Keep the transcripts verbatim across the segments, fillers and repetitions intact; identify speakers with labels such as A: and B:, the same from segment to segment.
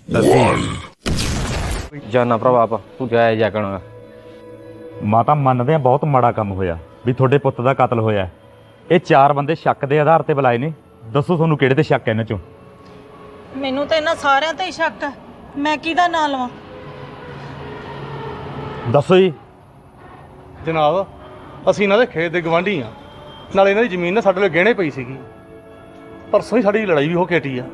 A: ਜਾਨਾ ਭਰਾਵਾ ਆਪ ਤੂੰ ਜਾਇ ਜਾ ਕਣਾ
B: ਮਾਤਾ ਮੰਨਦੇ ਆ ਬਹੁਤ ਮਾੜਾ ਕੰਮ ਹੋਇਆ ਵੀ ਤੁਹਾਡੇ ਪੁੱਤ ਦਾ ਕਤਲ ਹੋਇਆ। ਇਹ ਚਾਰ ਬੰਦੇ ਸ਼ੱਕ ਦੇ ਆਧਾਰ ਤੇ ਬੁਲਾਏ ਨੇ। ਦੱਸੋ ਤੁਹਾਨੂੰ ਕਿਹੜੇ ਤੇ ਸ਼ੱਕ ਹੈ ਇਹਨਾਂ ਚੋਂ?
C: ਮੈਨੂੰ ਤਾਂ ਇਹਨਾਂ ਸਾਰਿਆਂ ਤੇ ਹੀ ਸ਼ੱਕ ਹੈ। ਮੈਂ ਕਿਹਦਾ ਨਾਂ ਲਵਾਂ?
B: ਦੱਸੋ ਜੀ।
D: ਜਨਾਬ ਅਸੀਂ ਇਹਨਾਂ ਦੇ ਖੇਤ ਦੇ ਗਵਾਂਢੀ ਆ, ਨਾਲੇ ਇਹਨਾਂ ਦੀ ਜ਼ਮੀਨ ਨਾ ਸਾਡੇ ਲਈ ਗਹਿਣੇ ਪਈ ਸੀਗੀ। ਪਰਸੋਂ ਹੀ ਸਾਡੀ ਲੜਾਈ ਵੀ ਹੋ ਕੇ ਹਟੀ ਆ।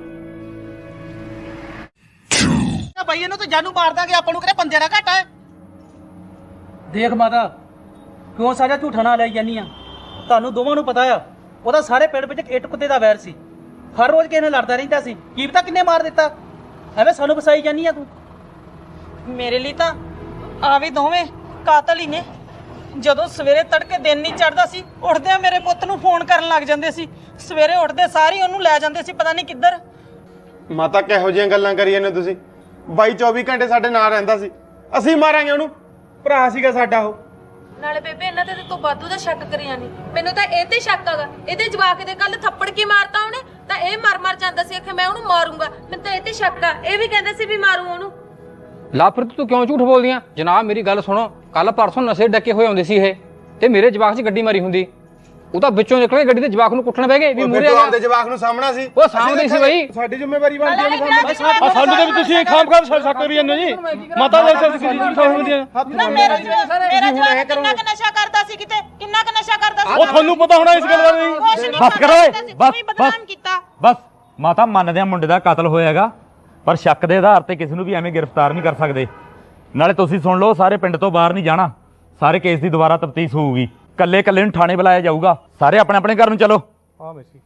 E: ਭਾਈ ਇਹਨੂੰ ਤਾਂ ਜਾਨੂ ਮਾਰ ਦਾਂਗੇ, ਆਪਾਂ ਨੂੰ ਕਿਹੜੇ ਬੰਦੇ ਦਾ ਘਾਟਾ ਹੈ।
F: ਦੇਖ ਮਾਤਾ ਕਿਉਂ ਸਾਡਾ ਝੂਠਾ ਨਾ ਲੈ ਜਾਨੀ ਆ। ਤੁਹਾਨੂੰ ਦੋਵਾਂ ਨੂੰ ਪਤਾ ਆ ਉਹਦਾ ਸਾਰੇ ਪਿੰਡ ਵਿੱਚ ਇੱਟ ਕੁੱਤੇ ਦਾ ਵੈਰ ਸੀ। ਹਰ ਰੋਜ਼ ਕਿਸੇ ਨਾਲ ਲੜਦਾ ਰਹਿੰਦਾ ਸੀ। ਕੀ ਪਤਾ ਕਿੰਨੇ ਮਾਰ ਦਿੱਤਾ। ਐਵੇਂ ਸਾਨੂੰ ਫਸਾਈ ਜਾਨੀ ਆ ਤੂੰ।
C: ਮੇਰੇ ਲਈ ਤਾਂ ਆ ਵੀ ਦੋਵੇਂ ਕਾਤਲ ਹੀ ਨੇ। ਜਦੋਂ ਸਵੇਰੇ ਤੜਕੇ ਦਿਨ ਨਹੀਂ ਚੜ੍ਹਦਾ ਸੀ, ਉੱਠਦਿਆਂ ਮੇਰੇ ਪੁੱਤ ਨੂੰ ਫੋਨ ਕਰਨ ਲੱਗ ਜਾਂਦੇ ਸੀ। ਸਵੇਰੇ ਉੱਠਦੇ ਸਾਰੀ ਉਹਨੂੰ ਲੈ ਜਾਂਦੇ ਸੀ ਪਤਾ ਨਹੀਂ ਕਿੱਧਰ।
G: ਮਾਤਾ ਕਿਹੋ ਜਿਹੀਆਂ ਗੱਲਾਂ ਕਰੀ ਜਾਂਦੇ ਤੁਸੀਂ? ਬਾਈ ਚੌਵੀ ਘੰਟੇ ਸਾਡੇ ਨਾਲ ਰਹਿੰਦਾ ਸੀ, ਅਸੀਂ ਮਾਰਾਂਗੇ ਉਹਨੂੰ? ਭਰਾ ਸੀਗਾ ਸਾਡਾ ਉਹ।
H: ਨਾਲੇ ਬੇਬੇ ਇਹਨਾਂ ਤੇ ਤੋਂ ਵਾਧੂ ਦਾ ਸ਼ੱਕ ਕਰੀ ਜਾਨੀ। ਮੈਨੂੰ ਤਾਂ ਇਹ ਤੇ ਸ਼ੱਕ ਹੈਗਾ। ਇਹਦੇ ਜਵਾਕ ਦੇ ਕੱਲ ਥੱਪੜ ਕੀ ਮਾਰਤਾ ਉਹਨੇ, ਤਾਂ ਇਹ ਮਰ ਮਰ ਜਾਂਦਾ ਸੀ ਕਿ ਮੈਂ ਉਹਨੂੰ ਮਾਰੂੰਗਾ। ਮੈਨੂੰ ਤਾਂ ਇਹ ਤੇ ਸ਼ੱਕ ਆ। ਇਹ ਵੀ ਕਹਿੰਦੇ ਸੀ ਵੀ ਮਾਰੂ ਉਹਨੂੰ।
A: ਲਾਪ੍ਰੀਤ ਤੂੰ ਕਿਉਂ ਝੂਠ ਬੋਲਦੀਆਂ? ਜਨਾਬ ਮੇਰੀ ਗੱਲ ਸੁਣੋ, ਕੱਲ ਪਰਸੋਂ ਨਸ਼ੇ ਡੱਕੇ ਹੋਏ ਹੁੰਦੇ ਸੀ ਇਹ, ਤੇ ਮੇਰੇ ਜਵਾਕ 'ਚ ਗੱਡੀ ਮਾਰੀ ਹੁੰਦੀ। ਉਹ ਤਾਂ ਵਿੱਚੋਂ ਨਿਕਲੇ ਗੱਡੀ ਦੇ ਜਵਾਕ ਨੂੰ ਕੁੱਟਣ ਬਹਿ ਗਏ ਵੀ ਮੂਰੇ ਆ
G: ਦੇ ਜਵਾਕ ਨੂੰ ਸਾਹਮਣਾ ਸੀ।
A: ਉਹ ਸਾਹਮਣੇ ਸੀ ਬਈ।
G: ਸਾਡੀ ਜ਼ਿੰਮੇਵਾਰੀ ਬਣਦੀ ਹੈ
D: ਆ ਸਾਨੂੰ ਤੇ ਵੀ ਤੁਸੀਂ ਖਾਮ ਖਾਮ ਸ਼ੱਕ ਕਰੀ ਜਾਂਦੇ ਜੀ। ਮਾਤਾ ਦੇ ਸਿਰ ਕਿਹਦੀ ਜੀ ਸਮਝਦੀਆਂ?
C: ਨਾ ਮੇਰਾ ਮੇਰਾ ਜਵਾਕ ਕਿੰਨਾ ਕੁ ਨਸ਼ਾ ਕਰਦਾ ਸੀ, ਕਿਤੇ ਕਿੰਨਾ ਕੁ ਨਸ਼ਾ ਕਰਦਾ ਸੀ।
D: ਉਹ ਤੁਹਾਨੂੰ ਪਤਾ ਹੋਣਾ ਇਸ ਗੱਲ ਬਾਰੇ।
C: ਕੁਛ ਨਹੀਂ
B: ਬਸ ਕਰੋ ਓਏ, ਬਸ
C: ਬਦਨਾਮ ਕੀਤਾ।
B: ਬਸ ਮਾਤਾ ਮੰਨਦੇ ਆ ਮੁੰਡੇ ਦਾ ਕਤਲ ਹੋਇਆਗਾ, ਪਰ ਸ਼ੱਕ ਦੇ ਆਧਾਰ ਤੇ ਕਿਸੇ ਨੂੰ ਵੀ ਐਵੇਂ ਗ੍ਰਿਫਤਾਰ ਨਹੀਂ ਕਰ ਸਕਦੇ। ਨਾਲੇ ਤੁਸੀਂ ਸੁਣ ਲਓ, ਸਾਰੇ ਪਿੰਡ ਤੋਂ ਬਾਹਰ ਨਹੀਂ ਜਾਣਾ। ਸਾਰੇ ਕੇਸ ਦੀ ਦੁਬਾਰਾ ਤਫਤੀਸ਼ ਹੋਊਗੀ। ਕੱਲੇ ਕੱਲੇ ਨੂੰ ਥਾਣੇ ਬੁਲਾਇਆ ਜਾਊਗਾ। ਸਾਰੇ ਆਪਣੇ ਆਪਣੇ ਘਰ ਨੂੰ ਚਲੋ।
D: ਹਾਂ ਮੈਸੀ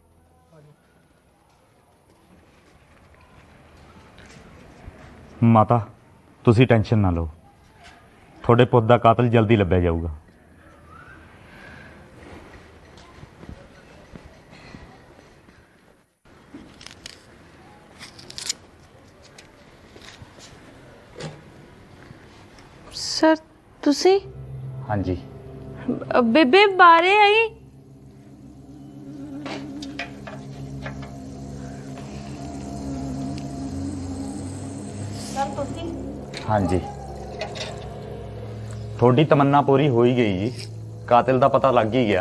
B: ਮਾਤਾ ਤੁਸੀਂ ਟੈਨਸ਼ਨ ਨਾ ਲਓ, ਤੁਹਾਡੇ ਪੁੱਤ ਦਾ ਕਾਤਲ ਜਲਦੀ ਲੱਭਿਆ ਜਾਊਗਾ।
H: ਸਰ ਤੁਸੀਂ?
B: ਹਾਂਜੀ
H: ਬੇਬੇ ਬਾਰੇ ਆਈ।
C: ਸਰ ਤੁਸੀਂ?
B: ਹਾਂਜੀ ਤੁਹਾਡੀ ਤਮੰਨਾ ਪੂਰੀ ਹੋ ਹੀ ਗਈ ਜੀ। ਕਾਤਿਲ ਦਾ ਪਤਾ ਲੱਗ ਹੀ ਗਿਆ।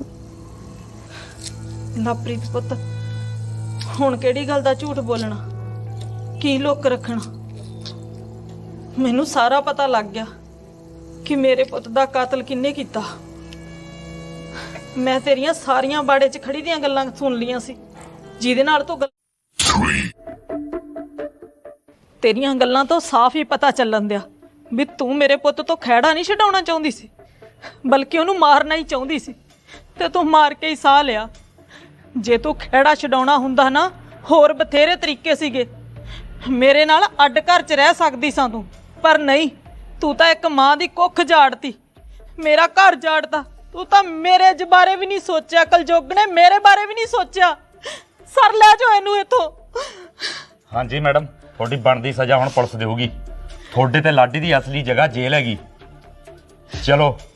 C: ਲਵਪ੍ਰੀਤ ਪੁੱਤ, ਹੁਣ ਕਿਹੜੀ ਗੱਲ ਦਾ ਝੂਠ ਬੋਲਣਾ, ਕੀ ਲੁੱਕ ਰੱਖਣਾ? ਮੈਨੂੰ ਸਾਰਾ ਪਤਾ ਲੱਗ ਗਿਆ ਕਿ ਮੇਰੇ ਪੁੱਤ ਦਾ ਕਾਤਲ ਕਿੰਨੇ ਕੀਤਾ। ਮੈਂ ਤੇਰੀਆਂ ਸਾਰੀਆਂ ਬਾੜੇ 'ਚ ਖੜੀ ਦੀਆਂ ਗੱਲਾਂ ਸੁਣ ਲੀਆਂ ਸੀ, ਜਿਹਦੇ ਨਾਲ ਤੂੰ ਤੇਰੀਆਂ ਗੱਲਾਂ ਤੋਂ ਸਾਫ਼ ਹੀ ਪਤਾ ਚੱਲਣ ਦਿਆ ਵੀ ਤੂੰ ਮੇਰੇ ਪੁੱਤ ਤੋਂ ਖਹਿੜਾ ਨਹੀਂ ਛਡਾਉਣਾ ਚਾਹੁੰਦੀ ਸੀ, ਬਲਕਿ ਉਹਨੂੰ ਮਾਰਨਾ ਹੀ ਚਾਹੁੰਦੀ ਸੀ, ਤੇ ਤੂੰ ਮਾਰ ਕੇ ਹੀ ਸਾਹ ਲਿਆ। ਜੇ ਤੂੰ ਖਹਿੜਾ ਛਡਾਉਣਾ ਹੁੰਦਾ ਨਾ, ਹੋਰ ਬਥੇਰੇ ਤਰੀਕੇ ਸੀਗੇ। ਮੇਰੇ ਨਾਲ ਅੱਡ ਘਰ 'ਚ ਰਹਿ ਸਕਦੀ ਸਾਂ ਤੂੰ, ਪਰ ਨਹੀਂ, ਤੂੰ ਤਾਂ ਇੱਕ ਮਾਂ ਦੀ ਕੁੱਖ ਝਾੜਤੀ, ਮੇਰਾ ਘਰ ਝਾੜਤਾ। ਤੂੰ ਤਾਂ ਮੇਰੇ ਜ ਬਾਰੇ ਵੀ ਨਹੀਂ ਸੋਚਿਆ, ਕਲਯੁੱਗ ਨੇ ਮੇਰੇ ਬਾਰੇ ਵੀ ਨਹੀਂ ਸੋਚਿਆ। ਸਰ ਲੈ ਜਾਓ ਇਹਨੂੰ ਇੱਥੋਂ।
B: ਹਾਂਜੀ ਮੈਡਮ, ਤੁਹਾਡੀ ਬਣਦੀ ਸਜ਼ਾ ਹੁਣ ਪੁਲਿਸ ਦੇਊਗੀ। ਤੁਹਾਡੇ ਤੇ ਲਾਡੀ ਦੀ ਅਸਲੀ ਜਗ੍ਹਾ ਜੇਲ੍ਹ ਹੈਗੀ। ਚਲੋ